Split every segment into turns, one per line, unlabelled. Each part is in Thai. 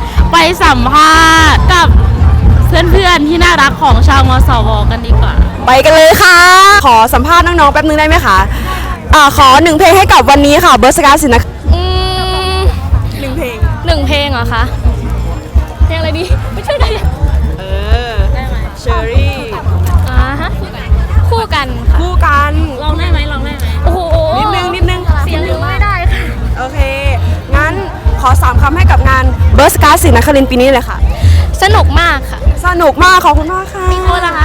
ไปสัมภาษณ์กับเพื่อนๆที่น่ารักของชาวมสวกันดีกว่า
ไปกันเลยค่ะขอสัมภาษณ์น้องๆแป๊บนึงได้ไหมคะขอ1เพลงให้กับวันนี้ค่ะเบิร์สการ์สินะ1เพลง
1เพลงเหรอคะเพลงอะไรดีไม่ใช่ได้
ได้ไหมเชอรี่
ฮะคู่กัน
คู่กัน
ลองได้ไหมโอ้โห
นิดนึง
เสียงไม่ได้ค่ะ
โอเคงั้นขอ3คำให้กับงานเบิร์สการ์สินครินทร์ปีนี้เลยค่ะ
สนุกมากค่ะ
สนุกมากขอบคุณมากค่ะ
มีคนละคะ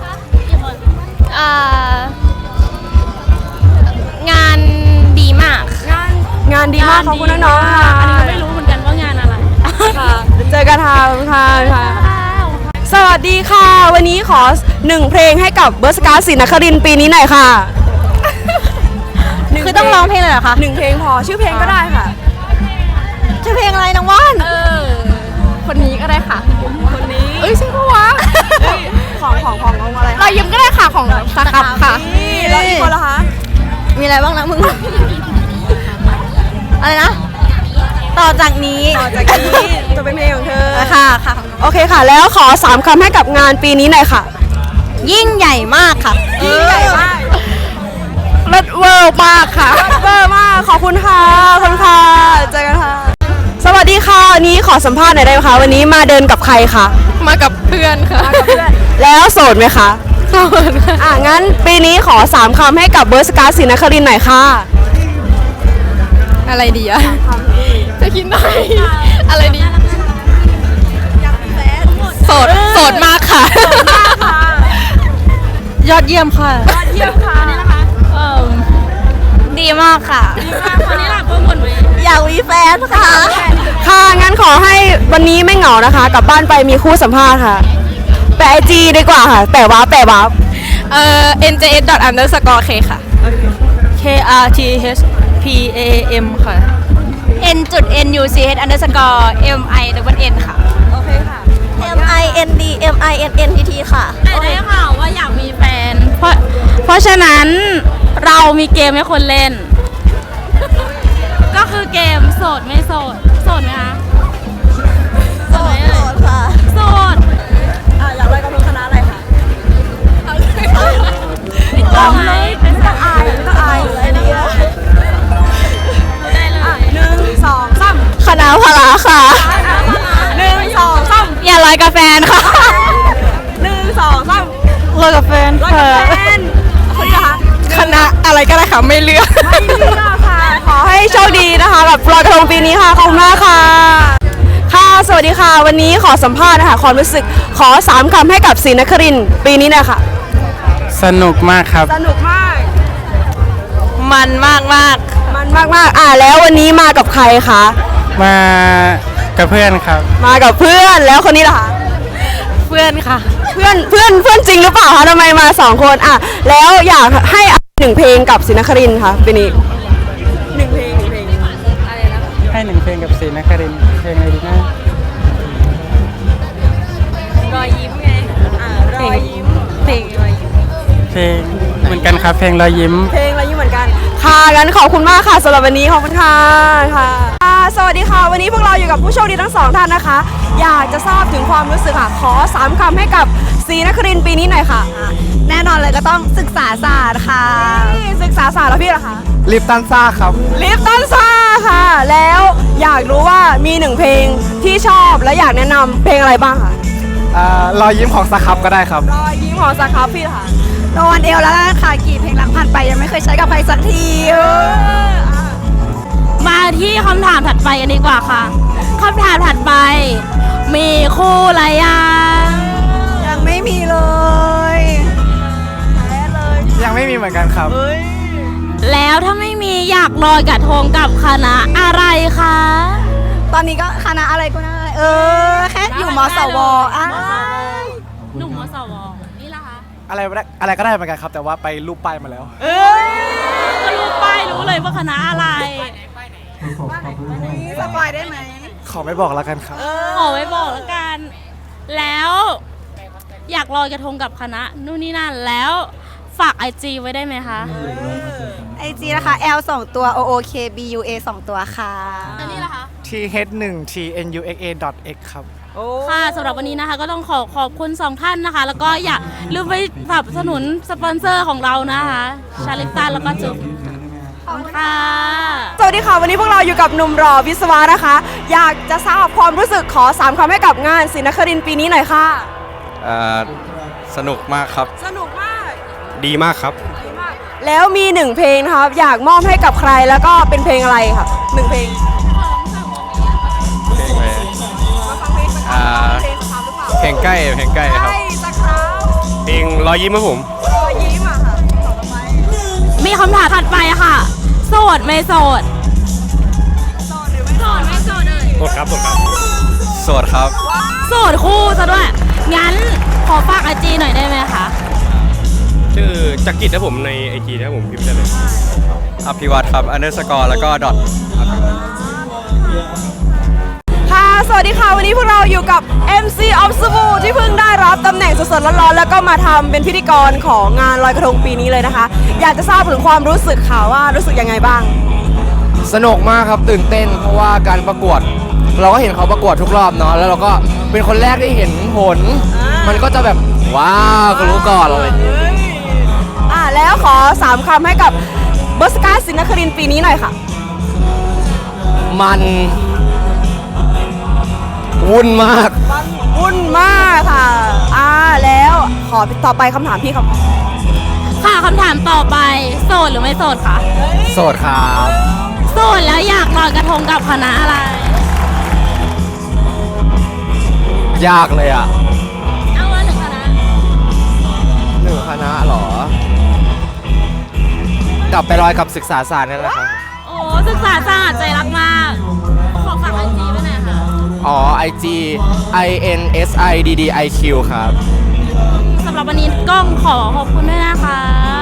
งานดีมาก
งานดีมากขอบคุณน้องๆค่ะ
อันนี้ก็ไม่รู้เหมือนกันว่างานอะไร
ค่ะเจอกันค่ะสวัสดีค่ะวันนี้ขอ1เพลงให้กับเบิร์สการ์สินครินทร์ปีนี้หน่อยค่ะ
คือต้องร้องเพลงเลยเหรอคะ
1เพลงพอชื่อเพลงก็ได้ค่ะ
ชื่อเพลงอะไรน้องว่านคนนี้ก็ได้ค่ะ
คนนี้
ใช่ปะวะ
ของอะไร
เรายิ้มก็ได้ค่ะของสครับค่ะ
แล้วอีกคนละคะ
มีอะไรบ้างนะมึงอะไรนะต่อจากนี้
จะเป็นเพลงของเธอ
ค่ะ
โอเคค่ะแล้วขอ3คำให้กับงานปีนี้หน่อยค่ะ
ยิ่งใหญ่มากค่ะ
ยิ่งใหญ่มาก
เลิศเวอร์มากค่ะ
เวอร์มากขอบคุณค่ะเจอกันค่ะสวัสดีค่ะวันนี้ขอสัมภาษณ์หน่อยได้ไหมคะวันนี้มาเดินกับใครคะ
มากับเพื่อนค่ะ
แล้วโสดไหมคะ
โสดค่ะ
งั้นปีนี้ขอ3คำให้กับเบิร์สการ์สินครินทร์หน่อยค่ะ
อะไรดีอะจะคิดหน่อยอะไรดีโสดมากค่ะยอดเยี่ยมค่ะดีมากค่ะคนนี้หลักคนไหมอยากมีแฟน
ค่ะงั้นขอให้วันนี้ไม่เหงานะคะกลับบ้านไปมีคู่สัมภาษณ์ค่ะแปะ IG ดีกว่าค่ะแปะวาร์ป
njs._k ค่ะ
krthpam ค่ะ
n.nuch_min ค่ะ
โอเคค่ะ
mindminntt ค่ะได้ข่าวว่าอยากมีแฟนเพราะฉะนั้นเรามีเกมให้คนเล่นก็คือเกมโสดไม่โสดไหมคะโสดค่ะโสด
อยากไปกับคณะอะไรคะ
ไม่ต้องอาย
เลยได้เลย1 2 3
คณะพละค่ะ
1 2 3
อย่าลอยกับแฟนค่ะ
1 2 3
ลอยกับแฟน
ค่ะคนนี้นะคะ
คณะอะไรก็ได้ค่ะไม่เลือก
ค่ะขอให้โชคดีนะคะกับลอยกระทงปีนี้ค่ะขอบคุณมากค่ะสวัสดีค่ะวันนี้ขอสัมภาษณ์นะคะความรู้สึกขอ3คำให้กับศรีนครินทร์ปีนี้นะคะ
สนุกมากครับ
สนุกมาก
มันมาก
แล้ววันนี้มากับใครคะ
มากับเพื่อนครับ
มากับเพื่อนแล้วคนนี้ล่ะคะ
เพื่อนค่ะ
เพื่อนจริงหรือเปล่าคะทำไมมา2คนแล้วอยากให้1เพลงกับศรีนครินทร์ค่ะปีนี้1เพลง
อะไรนะ
ให้1เพลงกับศรีนครินทร์เพลงอะไรดีนะ
รอยยิ้มไง
รอยยิ้ม
เพลงรอยยิ้ม
เพลงเหมือนกันครับเพลงรอยยิ้ม
เหมือนกันค่ะงั้นขอบคุณมากค่ะสำหรับวันนี้ขอบคุณค่ะสวัสดีค่ะวันนี้พวกเราอยู่กับผู้โชคดีทั้ง2ท่านนะคะอยากจะทราบถึงความรู้สึกค่ะขอ3คำให้กับศรีนครินทร์ปีนี้หน่อยค่ะ
แน่นอนเลยก็ต้องศึกษาศาสตร์ค่ะ
ศึกษาศาสตร์แล้วพี่ล่ะคะ
ลิปตันซ่าครับ
ลิปตันซ่าค่ะแล้วอยากรู้ว่ามี1เพลงที่ชอบและอยากแนะนำเพลงอะไรบ้างคะ
รอยยิ้มของสครับก็ได้ครับ
รอยยิ้มของสครับพี่ล่ะคะ
โดนเอวแล้วค่ะกี่เพลงหลังผ่านไปยังไม่เคยใช้กับใครสักทีมาที่คำถามถัดไปกันดีกว่าค่ะคำถามถัดไปมีคู่อะไร
ยังไม่มีเลย
ยังไม่มีเหมือนกันครับ
แล้วถ้าไม่มีอยากลอยกระทงกับคณะอะไรคะ
ตอนนี้ก็คณะอะไรก็ได้แค่อยู่มสว
หนุ่มมสวนี่ล่ะคะ
อะไรก็ได้เหมือนกันครับแต่ว่าไปรูปป้ายมาแล้ว
ก็รูปป้ายรู้เลยว่าคณะอะไร
สปอยได้ไหม
ขอไม่บอกแล้วกันครับ
ขอไม่บอกแล้วกันแล้วอยากลอยกระทงกับคณะนู่นนี่นั่นแล้วฝาก IG ไว้ได้ไหมคะ
IG นะคะ L 2 ตัว O O K B U A 2 ตัวค่ะ
อันนี้ล่ะคะ
th1tnuxa.x ครับ
ค่ะสำหรับวันนี้นะคะก็ต้องขอบคุณสองท่านนะคะ แล้วก็อย่าลืมไปสนับสนุนสปอนเซอร์ของเรานะคะชาลิปตันแล้วก็จุ๊บขอบคุณค่ะ
สวัสดีค่ะ วันนี้พวกเราอยู่กับหนุ่มหล่อวิศวะนะคะ อยากจะทราบความรู้สึกขอ3คำให้กับงานศรีนครินทร์ปีนี้หน่อยค่ะ
สนุกมากครับ
สนุกมาก
ดีมากครับ
แล้วมี1เพลงนะครับอยากมอบให้กับใครแล้วก็เป็นเพลงอะไรค่ะ1เพลง
เพลงอะไร
มาฟังเพลงสักครั้งเพลงสักครั้งหรือเปล่า
เพลงใกล้ครับ
ใช่สักครั้ง
เพลงรอยยิ้มครับผม
รอยยิ้มอ่ะค่ะต่อไป
มีคำถามถัดไปค่ะ โสดไม่โสด
โสดหรือไม่
โสดไม่โสดเลย
โสดครับ โสดครับ
โสดคู่ซะด้วย งั้นขอฝาก IG หน่อยได้ไหมคะ
ชื่อจักริดนะผมใน IG นะผมพิมพ์ได้เลย อภิวัตครับ underscore แล้วก็ดอท
ค่ะสวัสดีค่ะวันนี้พวกเราอยู่กับ MC of s b o ที่เพิ่งได้รับตำแหน่งสดๆร้อนๆแล้วก็มาทำเป็นพิธีกรของงานลอยกระทงปีนี้เลยนะคะ อยากจะทราบถึงความรู้สึกค่ะว่ารู้สึกยังไงบ้าง
สนุกมากครับตื่นเต้นเพราะว่าการประกวด เราก็เห็นเขาประกวดทุกรอบเนาะแล้วเราก็เป็นคนแรกที่เห็นผล มันก็จะแบบว้าวก็รู้ก่อนเลย
แล้วขอ3คำให้กับเบอร์สกาศรีนครินทร์ปีนี้หน่อยค่ะ
มันวุ่นมาก
วุ่นมากค่ะแล้วขอต่อไปคำถามพี่ครับ
ค่ะคำถามต่อไปโสดหรือไม่โสดคะ
โสดครับ
โสดแล้วอยากลอยกระทงกับคณะอะไร
ยากเลยอ่ะ
เอาว่าหนึ่งคณะ
หนึ่งคณะเหรอ กลับไปลอยกับศึกษาศาสตร์นั่นแหละครับ
โอ้ศึกษาศาสตร์ใจรักมาก ขอฝาก IG ไว้หน่อยค่ะ
อ๋อ IG INSIDDIQ ครับ
สำหรับวันนี้ก้องขอขอบคุณด้วยนะคะ